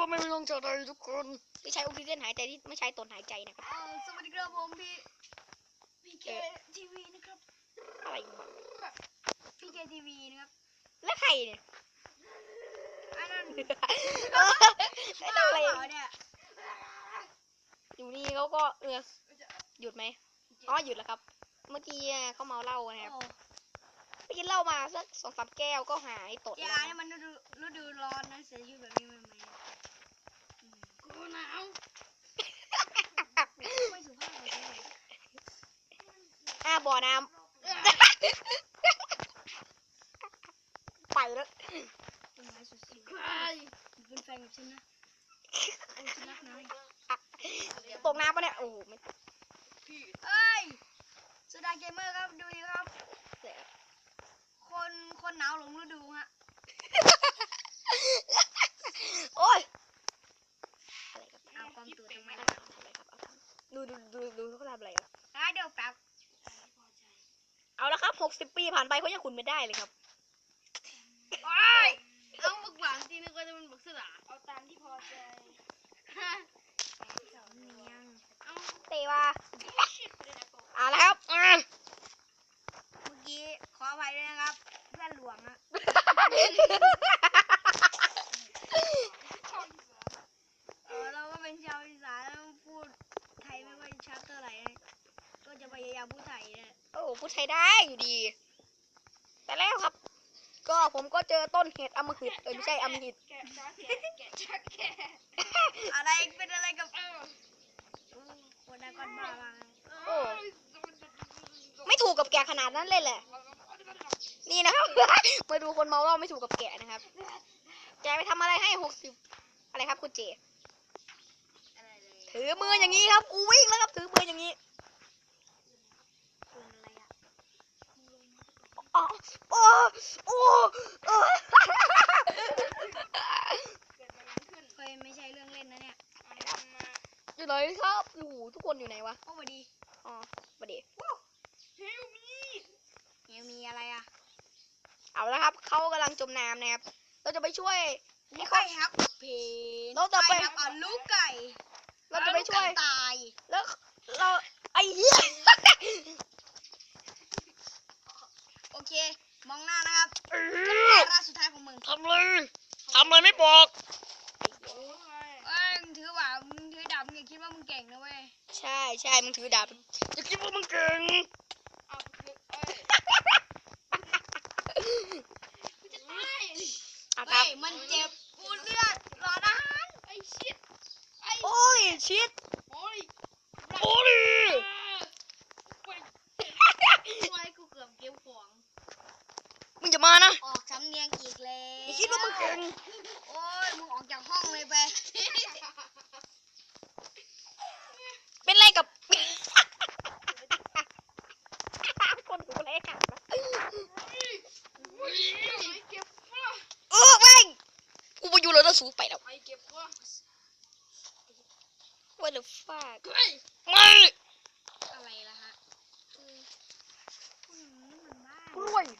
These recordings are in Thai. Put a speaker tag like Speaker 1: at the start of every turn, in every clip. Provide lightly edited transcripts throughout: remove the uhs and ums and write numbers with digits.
Speaker 1: ไม่ต้องเจอเลยทุกคนที่ใช้ออกซิเจนหายใจที่ไม่ใช้ตนหายใจนะครับ
Speaker 2: สวัสดีครับผมพี่เคทีวีนะครับ
Speaker 1: อะไร
Speaker 2: พี่เคทีวีนะครับ
Speaker 1: แล้วใครเนี่ย
Speaker 2: อันนั้น
Speaker 1: อะไร
Speaker 2: เนี่ย
Speaker 1: อยู่นี่เขาก็หยุดไหมอ๋อหยุดแล้วครับเมื่อกี้เขาเมาเหล้านะครับไปกินเหล้ามาสัก2-3 แก้วก็หายตดแล้ว
Speaker 2: เนี่ยมันฤดูร้อนนะเสียชีวิตแบบนี้มันไหมกูหนาวไม่สุภาพเลย
Speaker 1: บ่อน้ำไปแล้ว
Speaker 2: ต้นไม้สุดๆเป็นแฟนกับฉันนะโอ้ฉันรักนาย
Speaker 1: ตกน้ำปะเนี่ยโอ้ไม่
Speaker 2: เอ้ยสุดาเกมเมอร์ครับดูดิครับคนหนาวหลงฤดูฮะ
Speaker 1: โอ้ยอะไรครับ
Speaker 2: เอาความตัวทำไม
Speaker 1: ดูเขาทำอะไรอ่ะ
Speaker 2: เดี๋ยวแป๊บ
Speaker 1: เอาละครับ60 ปีผ่านไปเขายังขุนไม่ได้เลยครับ
Speaker 2: เอาบักหวานทีนึงก็จะเป็นบักสลาเอาตามที่พอใจ
Speaker 1: เตะว่าแล้วครับ
Speaker 2: เมื่อกี้ขออภัยด้วยนะครับเพื่อนหลวงอะเราก็เป็นชาวอีสานพูดไทยไม่ค่อยชัดเท่าไหร่ก็จะพยายามพูดไทยเนี่ย
Speaker 1: พูดไทยได้อยู่ดีแต่แล้วครับก็ผมก็เจอต้นเห็ดอมฤตไม่ใช่อมฤต
Speaker 2: อะไรเป็นอะไรกับคนนั้นก้อนบ้าบ้าง
Speaker 1: ไม่ถูกกับแกขนาดนั้นเลยแหละนี่นะครับ มาดูคนเมาเหล้าไม่ถูกกับแกนะครับแกไปทำอะไรให้60อะไรครับคุณเจถือมืออย่างนี้ครับกูวิ่งแล้วครับถือมืออย่างนี้อ๋อโอ้
Speaker 2: ไม่ใช่เรื่องเล่นนะเนี่ย
Speaker 1: อยู่ไหนครับโอ้โหทุกคนอยู่ไหนวะ
Speaker 2: สวัสดี
Speaker 1: สวัสดี
Speaker 2: เฮลมีอะไรอ่ะ
Speaker 1: เอาละครับเขากำลังจมน้ำนะครับเราจะไปช่วย
Speaker 2: ให้เขาครับเพน
Speaker 1: เราจะไป
Speaker 2: ลูกไก่
Speaker 1: เราจะไปช่วย
Speaker 2: ตาย
Speaker 1: แล้วเราไอ้เหี้ย
Speaker 2: โอเคมองหน้านะครับวาระสุดท้ายของมึง
Speaker 1: ทำเลยไม่บอก
Speaker 2: ถือดาบอย่าคิดว่ามึงเก่งนะเว้ย
Speaker 1: ใช่มึงถือดาบอย่าคิดว่ามึงเก่ง
Speaker 2: เฮ้ยมันเจ็บกูเลือดรอนะ
Speaker 1: โอ้ยชิดโอ้ย
Speaker 2: กูเกือบเก็บของ
Speaker 1: มึงจะมานะ
Speaker 2: ออกสำเนียงอีกแล้ว
Speaker 1: อย่าคิดว่ามึงเก่ง
Speaker 2: โอ้ยมึงออกจากห้องเลยไป
Speaker 1: เป็นไรกับคนกูเลยค่ะแม่งกูไปอยู่แล้วนะสูไปแล้วWhat the fuck ไม่
Speaker 2: อะไรล่ะฮะ
Speaker 1: กล้วย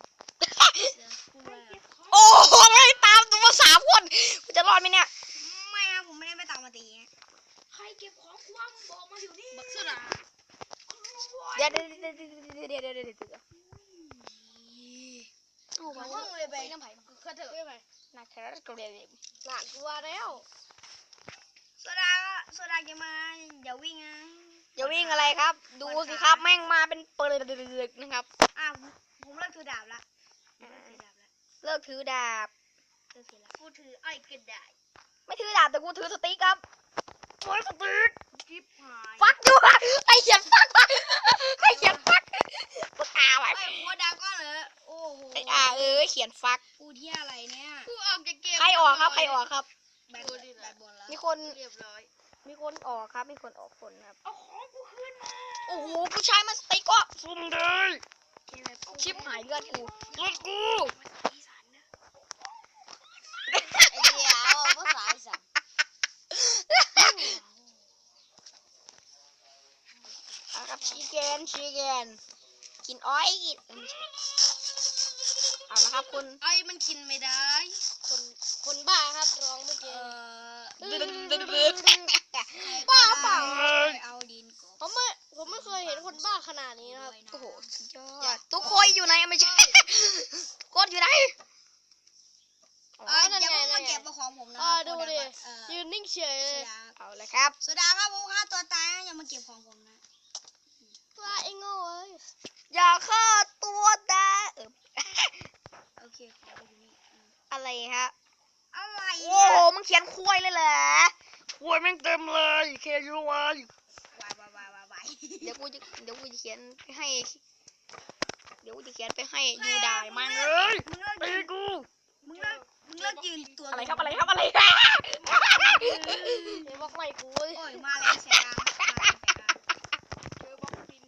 Speaker 1: โอ้โหไม่ตามตัว3 คนกูจะรอดไหมเนี่ย
Speaker 2: ไม่ครับผมไม่ได้ไปตามมาตี
Speaker 3: ใครเก็บของคว่ำบอกมาอยู่นี่
Speaker 2: บักสุดา
Speaker 1: เดี๋ยว
Speaker 2: โอ้โหห้องเลยไป
Speaker 1: น้ำไผ่
Speaker 2: ก็เถอะ
Speaker 1: น่าเธอก็เรียน
Speaker 2: หลานกลัวแล้วโซดาแกมาอย่าวิ่งนะ
Speaker 1: อย่าวิ่งอะไรครับดูสิครับแม่งมาเป็นเปิดนะครับ
Speaker 2: ผมเลิกถือดาบละ
Speaker 1: เลิกถือดาบ
Speaker 2: กูถือไอ้กระดาษ
Speaker 1: ไม่ถือดาบแต่กูถือสติ๊กครับโอ้ยสติ๊ก
Speaker 2: กิ๊บหาย
Speaker 1: ฟักด้วยไอเขียนฟักไอเขียนฟักปากกาไว้
Speaker 2: หัวดาก็เลยโอ้โห
Speaker 1: เขียนฟัก
Speaker 2: กูเที่ยอะไรเนี่ย
Speaker 3: กูออกจากเกม
Speaker 1: ใครออกครับ
Speaker 2: แบตบนแล้ว
Speaker 1: มีคน
Speaker 3: เรียบร้อย
Speaker 1: มีคนออกครับมีคนออกคนครับ
Speaker 3: เอาของกูขึ้นมา
Speaker 1: โอ้โหผู้ชายมาสติ๊กก็ซุ่มเลยชิปหายเลือดกู
Speaker 2: ไอเดียวภาษาอีสาน
Speaker 1: ครับชีเกนกินอ้อยเอาละครับคุณ
Speaker 2: ไอ้มันกินไม่ได้
Speaker 1: คนบ้าครับร้องเมื่อกี้บ้าเปล่า
Speaker 2: เอาดินกบ
Speaker 4: ผมไม่เคยเห็นคนบ้าขนาดนี้นะครับ
Speaker 1: โอ้โหสุดยอดทุกคนอยู่ไหนไม่ใช่กดอยู่ไหน
Speaker 2: อย่าเพิ่งมาเก็บของผมนะ
Speaker 4: ดูดิยืนนิ่งเฉย
Speaker 2: โซ
Speaker 4: เลย
Speaker 2: ดา
Speaker 1: เอาเลยครับ
Speaker 2: โซดาครับผมฆ่าตัวตายนะอย่ามาเก็บของผมนะ
Speaker 4: ว่าไอ้โง่เอ้ย
Speaker 1: อย่าฆ่าตัวดา
Speaker 2: โอเคของไปอยู่นี่
Speaker 1: อะไรฮะ
Speaker 2: อะไร
Speaker 1: โอ้
Speaker 2: เนี่ย
Speaker 1: โหมึงเขียนคุยเลยเหรอคุยแม่งเต็มเลยเคยูวาย
Speaker 2: วาย
Speaker 1: เดี๋ยวกูจะเขียนไปให้ เดี๋ยวกูจะเขียนไปให้ยูได้มั่งเลย
Speaker 2: มึงเลิก
Speaker 1: ตี
Speaker 2: ยืน
Speaker 1: กู
Speaker 2: มึงเลิกยืนตัว
Speaker 1: อะไรครับอะไรครับอะไรครับ
Speaker 4: เดี๋ยวบอกใหม่กูเว้ย
Speaker 2: โอ้ยมาแรงแสงมาแรงแสง
Speaker 3: เจอบล็อกบิน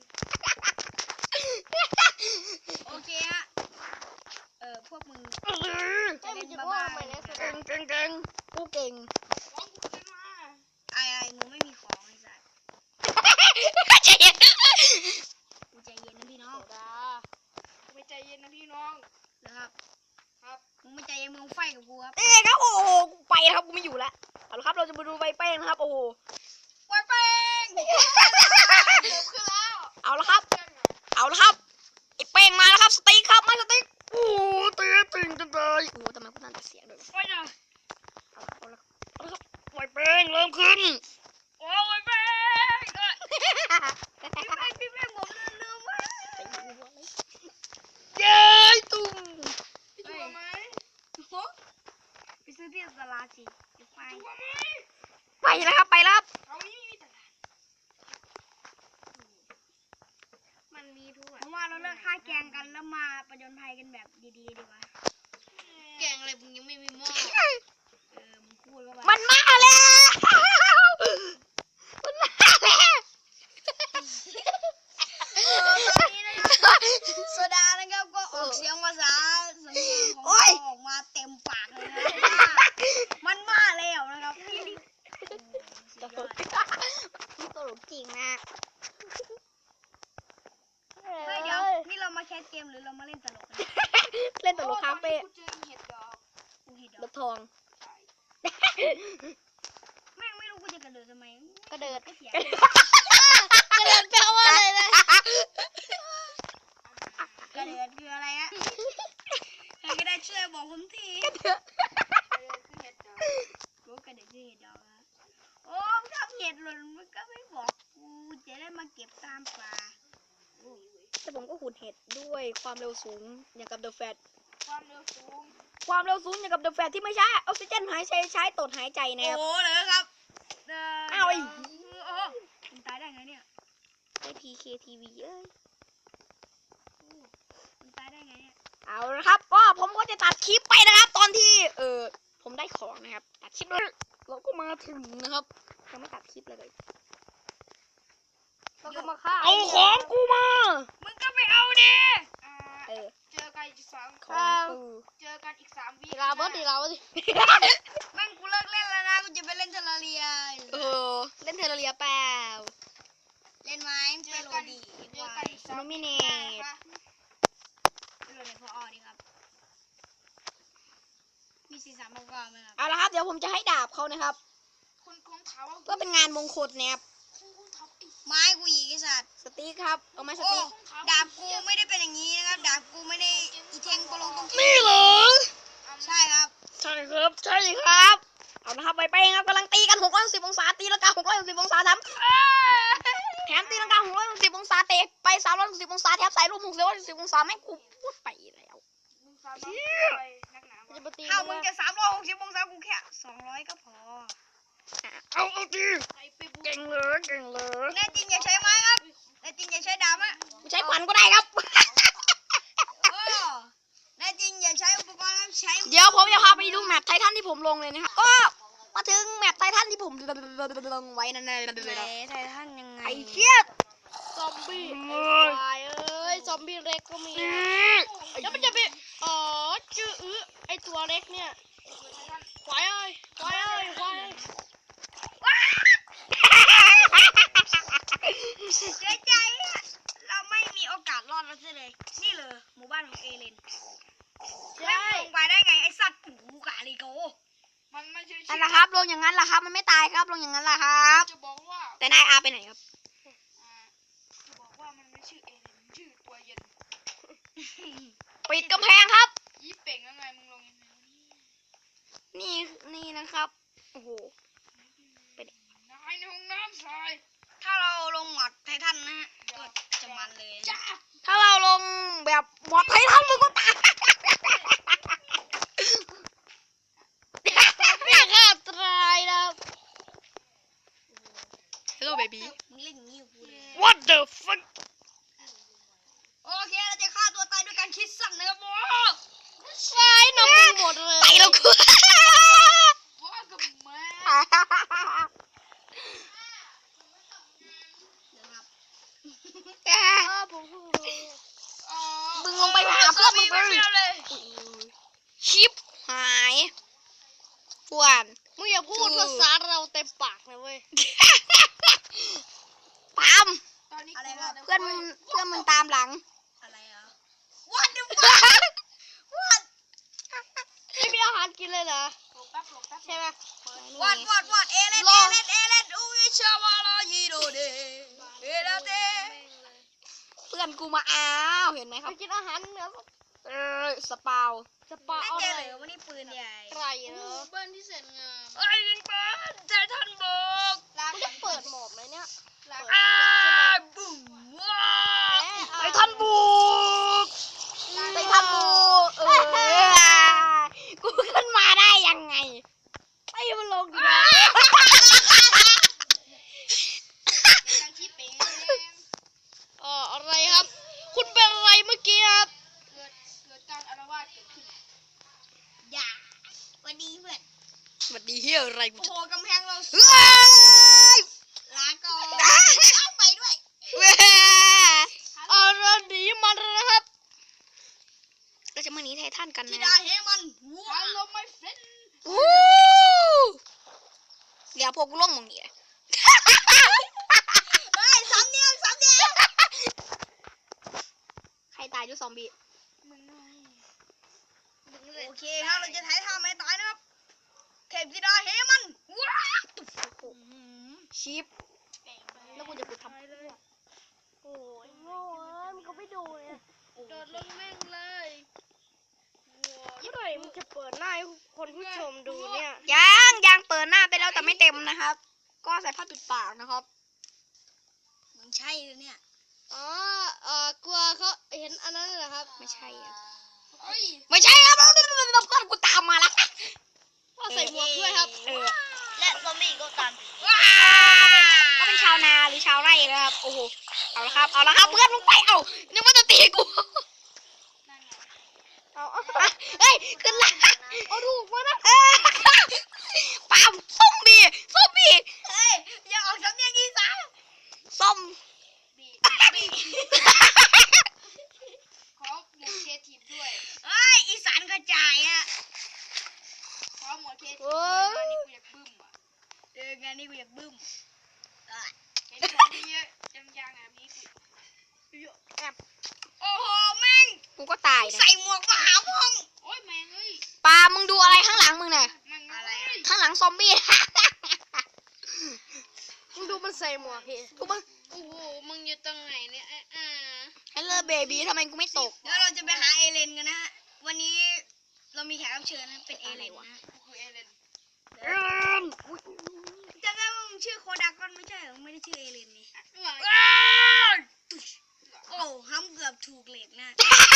Speaker 2: โอเคฮะพวกมึง
Speaker 4: เอ้ยมันจะว่าใหม่แล้วสุด
Speaker 1: เก่งเก่งเก่งกูเก่ง
Speaker 3: ของกูขึ้นมา
Speaker 2: ไอ้มึงไม่มีของไอ้สัส
Speaker 1: ใจเย็น
Speaker 2: กูใจเย็นนะพี่น้อง
Speaker 4: โซดา
Speaker 3: ไม่ใจเย็นนะพี่น้อง
Speaker 2: นะครับ
Speaker 3: ครับ
Speaker 2: มึงไม่ใจเย็นมึงไฟกับกูครับ
Speaker 1: นี่ครับโอ้โหกูไปนะครับกูไม่อยู่แล้วเอาละครับเราจะมาดูใบแป้งนะครับโอ้โห
Speaker 2: ไฟเป้ง
Speaker 3: ผมขึ้นแล้ว
Speaker 1: เอาละครับ เอาละครับไอ้แป้งมาแล้วครับสติ๊กครับมาสติ๊กโอ้ตีติ่งจังเลยโอ้ทำไมกูนั่นแต่เสียงด้วย
Speaker 3: ไปหน่อย
Speaker 1: เอาละครับใบแป้งเริ่มขึ้น
Speaker 3: โอ้ยแม่ง
Speaker 2: พี่แม่งผมลืมว่า
Speaker 1: เย้ตุ้ม
Speaker 3: พี่ชัวร์ไหม
Speaker 2: ไปซื้อที่ตลาดสิเดี๋ยวไป
Speaker 3: ชัวร์ไหม
Speaker 1: ไปแล้วครับไปแล้วครับ
Speaker 3: เอานี่มีแต่มันมีทั่ว
Speaker 2: ผมว่าเราเลิกฆ่าแกงกันแล้วมาประจนภัยกันแบบดีๆดีกว่า
Speaker 3: แกงอะไรมึงยังไม่มีหม้อ
Speaker 2: มึงพูดว่า
Speaker 1: มันมาแล้วมันมาแล้ว
Speaker 2: ตอนนี้นะครับโซดานะครับก็ออกเสียงภาษาสำเนียงของเราออกมาเต็มปากเลยนะมันมาแล้วนะครับสุดยอด
Speaker 1: ตลกจริงนะ
Speaker 2: เฮ้ยเดี๋ยวนี่เรามาแคสเกมหรือเรามาเล่นตลกกันเนี่ย
Speaker 1: เล่นตลกคาเฟ่
Speaker 3: กูเจอเห็ดดอก
Speaker 2: กูเห็น
Speaker 1: ร
Speaker 2: เดี๋ยว
Speaker 1: ถทอง
Speaker 2: แม่งไม่รู้กูจะกระโดดทำไม
Speaker 1: กระเดิด
Speaker 2: ก็เสีย
Speaker 4: กระเด็นแปลว่าอะไรนะ
Speaker 2: กระเดิดคืออะไรฮะใครก็ได้ช่วยบอกผมที
Speaker 3: เห็ดดอก
Speaker 2: กูกระเดิดคือเห็ดดอกอะโอ้มึงทำเห็ดหล่นมึงก็ไม่บอกกูจะได้มาเก็บตามป่า
Speaker 1: แต่ผมก็ขุดเห็ดด้วยความเร็วสูงอย่างกับเดอะแฟต
Speaker 3: ความเร็วสูง
Speaker 1: ความเร็วสูงอย่างกับเดอะแฟตที่ไม่ใช่ออกซิเจนหายใจใช้ตดหายใจนะครับ
Speaker 2: โอ้เลยครับ
Speaker 1: อ้าวไอ้
Speaker 2: โอ้มึงตายได้ไงเนี่ย
Speaker 1: ไอพีเคทีวีเอ้ย
Speaker 2: มึงตายได้ไงเนี่ย
Speaker 1: เอาละครับก็ผมก็จะตัดคลิปไปนะครับ ตอนที่ผมได้ของนะครับตัดคลิปเลยเราก็มาถึงนะครับยังไม่ตัดคลิปเลย
Speaker 4: แล้วก็มาฆ่า
Speaker 1: เอาของกูมา
Speaker 2: มึงก็ไปเอาดิ
Speaker 1: เออ
Speaker 3: เจอกันอีก3
Speaker 1: ของกู
Speaker 3: เจอกันอีก3 วิ
Speaker 4: ดีลาบอสดีลาบอส
Speaker 2: แม่งกูเลิกเล่นแล้วนะกูจะไปเล่นเทอร์เรีย
Speaker 1: เล่นเทอร์เรียเปล่า
Speaker 2: เล่นไหมไปโรดี
Speaker 3: เจอกันอีก
Speaker 1: โน
Speaker 3: 3
Speaker 1: มิเนต
Speaker 2: ไปโรดีพออดีครับมี43ประกอบไหมครับ
Speaker 1: เอาละครับเดี๋ยวผมจะให้ดาบเขานะครับ
Speaker 3: คนถามว่า
Speaker 1: ก็เป็นงานมงคลนะครับ
Speaker 3: คุณถามไอ้
Speaker 2: ไม้กูอีกไอ้สัตว์
Speaker 1: สติ๊กครับเอาไม้ส
Speaker 2: โอ้
Speaker 1: ติ๊ก
Speaker 2: ดาบกูไม่ได้เป็นอย่างนี้นะครับดาบกูไม่ได้อีเทงโปลงตรง
Speaker 1: นี่เหรอ
Speaker 2: ใช่ครับ
Speaker 1: ใช่ครับใช่ครับเอาละครับไปครับกำลังตีกัน660องศาตีลังกา660องศาทำแถมตีลังกา660องศาเตะไป360องศาแถมใส่รูป660องศาแม่งกูพูดไปแล้ว
Speaker 3: มึงสามารถไปนักหนาวะ
Speaker 4: จะมาตี
Speaker 2: ถ้า
Speaker 4: กู
Speaker 2: มึง
Speaker 4: นะ
Speaker 2: จะ360องศากูแค่200ก็พอ
Speaker 1: เอาดี
Speaker 3: ไอ้ไปบุก
Speaker 1: เก่งเลยเก่งเลย
Speaker 2: แน่จริงอย่าใช้ไม้ครับแน่จริงอย่าใช้ดาบอะ
Speaker 1: กูใช้ขวัญก็ได้ครับ
Speaker 2: โอ้แน่จริงอย่าใช้อุปกรณ์ครับใช้
Speaker 1: เดี๋ยวผมจะพาไปดูแมปไททันที่ผมลงเลยนะครับก็มาถึงแมปไททันที่ผมลงไว้นั่นเลย
Speaker 2: ไททันยังไง
Speaker 1: ไอ้เชี่ย
Speaker 4: ซอมบี้ไอ้ควายเอ้ยซอมบี้เล็กก็มีแล้วมันจะไปอ๋อจื้อไอ้ตัวเล็กเนี่ยควายเอ้ยควายเอ้ยควายเอ้ย
Speaker 2: เสียใจอะเราไม่มีโอกาสรอดแล้วใช่เลยนี่เลยหมู่บ้านของเอเลนแม่งลงไปได้ไงไอสัตว์หูกาลิโก
Speaker 3: มันไม่ใช่
Speaker 1: นั่นนะครับเรางอย่างนั้นล่ะครับ มันไม่ตายครับลงอย่างนั้นล่ะครับ
Speaker 3: จะบอกว่า
Speaker 1: แต่นายอาไปไหนครับ
Speaker 3: จะบอกว่ามันไม่ชื่อเอเลนมันชื่อตัวเย็น
Speaker 1: ปิดกำแพงครับ
Speaker 3: ยี่เป่งแล้วไงมึงลงยังไงวะเนี่ย
Speaker 1: นี่นะครับโอ้โห
Speaker 3: นายในห้องน้ำทราย
Speaker 2: ถ้าเราลงหมอดไททันนะฮะก็จะมันเลยนะ
Speaker 3: จ้า
Speaker 1: ถ้าเราลงแบบบอดไททันมึงก็ตาย
Speaker 4: ไม่ฆ่าตายนะครับ
Speaker 1: Hello baby
Speaker 2: มึงเล่นอย่างนี้กับกูเลย
Speaker 1: What the fuck
Speaker 2: โอเคเราจะฆ่าตัวตายด้วยการคิดสั้นนะครับโม
Speaker 4: ตายนำไปหมดเลย
Speaker 1: ตายแล้วกู
Speaker 3: ว่ากับแม่
Speaker 2: นะครับ
Speaker 4: ผมเพิ่งรู้
Speaker 1: มึงลงไปหาเพื่อนมึงไป
Speaker 2: เลย
Speaker 1: ชิปหายกวน
Speaker 4: มึงอย่าพูดภาษาเราเต็มปากนะเว้ย
Speaker 1: ปาม
Speaker 3: ตอนนี้
Speaker 2: อะไร
Speaker 3: กู
Speaker 2: ค
Speaker 3: ว่า
Speaker 2: รับ
Speaker 1: เพื่อนมึงตามหลัง
Speaker 2: อะไรอ่ะ What the fuck What
Speaker 4: ไม่มีอาหารกินเลยเหรอ
Speaker 3: หลบแป๊บหลบแป๊บ
Speaker 4: ใช่ไหม
Speaker 2: What เอเลนอุ้ยชาวาลายีโดเดเอลาเด
Speaker 1: เพื่อนกูมาอ้าวเห็นไหมค
Speaker 4: ไป
Speaker 1: รับ
Speaker 4: กินอาหารเหนือ
Speaker 1: สปาว
Speaker 4: สปา
Speaker 2: ไม่
Speaker 4: เอา
Speaker 2: เจ
Speaker 4: เล
Speaker 2: อย เลยวันนี้ปืนใหญ่
Speaker 4: ไก่เหรอ
Speaker 3: เบิ้ลที่เสร็จงาม
Speaker 2: ไอ้ยิงปืนไททันบุก
Speaker 4: มึงจะเปิดโหมดไหมเนี่ยเปิด
Speaker 2: อ้า
Speaker 4: ใช่ไหม
Speaker 2: บุ้มว้า
Speaker 4: แหม
Speaker 1: ไททันบุกไททันบุกกูขึ้นมาได้ยังไงไอ้มันลงดิ
Speaker 3: การชี้เป่ง
Speaker 4: อะไรครับ คุณเป็นอะไรเมื่อกี้ครับ
Speaker 3: เกิดการอาละวาดเกิดขึ้น
Speaker 2: อย่าวันดีเพื่อน
Speaker 1: สวัสดีเฮียอะไรกู
Speaker 2: โอ้โหกำแพงเรา
Speaker 1: เฮ้ย
Speaker 2: ลาก่อนเอาไปด้วย
Speaker 1: เว้ย
Speaker 4: อะไรหนีมันนะครับ
Speaker 1: เราจะมาหนีไททันกัน
Speaker 2: ธิ
Speaker 1: นะ
Speaker 2: ดาเฮมันว้า
Speaker 3: ฮัลโหลไม่เฟน
Speaker 1: วู้เดี๋ยวพวกกูล่องมองนี่แหละ
Speaker 2: เฮ้ยสามเนียง
Speaker 1: ใครตายด้วยซอมบี้
Speaker 3: มึงไง
Speaker 2: โอเคครับเราจะถ่ายทำให้ตายนะครับเทพธิดาเฮมันว้า
Speaker 1: ชิป
Speaker 3: เป่งไป
Speaker 1: แล้วกูจะกูทำ
Speaker 4: โอ้ยโง่มันก็ไม่ดูเนี่ย
Speaker 3: โดดลงแม่งเลย
Speaker 4: เมื่อไหร่มันจะเปิดหน้าให้คนผู้ชมดูเนี่ย
Speaker 1: ยังเปิดหน้าไปแล้วแต่ไม่เต็มนะครับ ก็ใส่ผ้าปิดปากนะครับ
Speaker 2: มึงใช่เลยเนี่ย
Speaker 4: อ๋อกลัวเขาเห็นอันนั้นเหรอครับ
Speaker 1: ไม่ใช่อะ
Speaker 3: เฮ้ย
Speaker 1: ไม่ใช่ครับเพื่อนกูตามมาแล้ว
Speaker 4: ก็ใส่หมวกด้วยครับ
Speaker 2: และซอมบี้ก็ตาม
Speaker 1: ก็เป็นชาวนาหรือชาวไร่นะครับโอ้โหเอาละครับเพื่อนมึงไปเอานึกว่าจะตีกู
Speaker 3: นั่นไง
Speaker 1: เฮ้ยขึ้นละ
Speaker 4: เอาถูกมานะ
Speaker 1: ปามส้มบี้
Speaker 2: เฮ้ยอย่าออกสำเนียงอีสาน
Speaker 1: ส้ม
Speaker 3: บีขอหมวดเคทีฟด้วย
Speaker 2: เฮ้ยอีสานกระจายอะ
Speaker 3: ขอหมวดเคทีฟด้วยงานนี้กูอยากบึ้มอ่ะ
Speaker 2: งานนี้กูอยากบึ้ม
Speaker 3: เห็นของเยอะยังแบบนี้กู
Speaker 2: โอ้โหแม่ง
Speaker 1: กูก็ตายนะ
Speaker 2: ใส่หมวกมาหาพ่อง
Speaker 3: โอ้ยแม่งเอ้ย
Speaker 1: ปามึงดูอะไรข้างหลังมึงน่ะ
Speaker 3: มัน
Speaker 2: อะไรอะ
Speaker 1: ข้างหลังซอมบี้
Speaker 4: มึงดูมันใส่หมวกพี่
Speaker 1: กูมึง
Speaker 3: โอ้โหมึงอยู่ตรงไหนเนี่ย
Speaker 1: ฮัลโหลเบบี้ทำไมกูไม่ตก
Speaker 2: เดี๋ยวเราจะไปหาเอเลนกันนะฮะวันนี้เรามีแขกรับเชิญนะเป็นเอเลนนะฮะ
Speaker 3: กูคือเอเลน
Speaker 2: จำได้ว่ามึงชื่อโคดากอนไม่ใช่เหรอไม่ได้ชื่อเอเลนนี่
Speaker 3: หลัง
Speaker 2: โอ้ห้ำเกือบถูกเหล็กนะ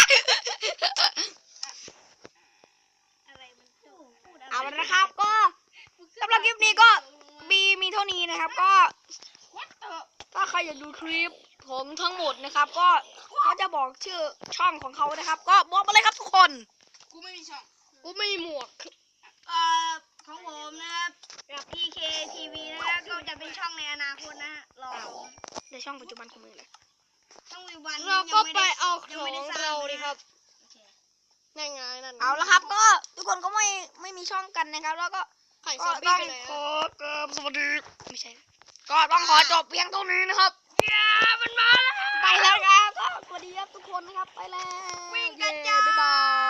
Speaker 2: อะไรมันโอ้พูดอะไร
Speaker 1: เอาละนะครับก็สำหรับคลิปนี้ก็มีเท่านี้นะครับ ก็
Speaker 3: วัดเตอร์
Speaker 1: ถ้าใครอยากดูคลิปผมทั้งหมดนะครับ ก็เขาจะบอกชื่อช่องของเขานะครับ ก็บอกมาเลยครับทุกคน
Speaker 3: กูไม่มีช่อง
Speaker 4: กูไม่มีหมวก
Speaker 2: เอ่อของผมนะครับกับ PK TV นะครับก็จะเป็นช่องในอนาคตนะฮะรอดู
Speaker 1: ในช่องปัจจุบันของมึงเลย
Speaker 2: ช่องวิววัน
Speaker 4: เราก็ไป
Speaker 2: ยัง
Speaker 4: เอาข
Speaker 2: ยัง
Speaker 4: อง
Speaker 2: ไม่ได้สร้าง
Speaker 4: เราดิครับ
Speaker 2: โอเค
Speaker 4: นั่นไงนั่น
Speaker 1: เอาละครับ ก็ทุกคนก็ไม่มีช่องกันนะครับ แล้วก็
Speaker 4: ไข่ซ
Speaker 1: ก็
Speaker 4: อมบี้
Speaker 1: ต้อง
Speaker 4: ไปไหน
Speaker 1: ข
Speaker 4: อะ
Speaker 1: อเกิมสวัสดีไม่ใช่ก็ต้องขอจบเพียงเท่านี้นะครับ
Speaker 2: มันมาแล้ว
Speaker 1: ไปแล้วครับก็สวัสดีครับทุกคนนะครับไปแล้ว
Speaker 2: วิ่งกันจ้า
Speaker 1: บ๊ายบาย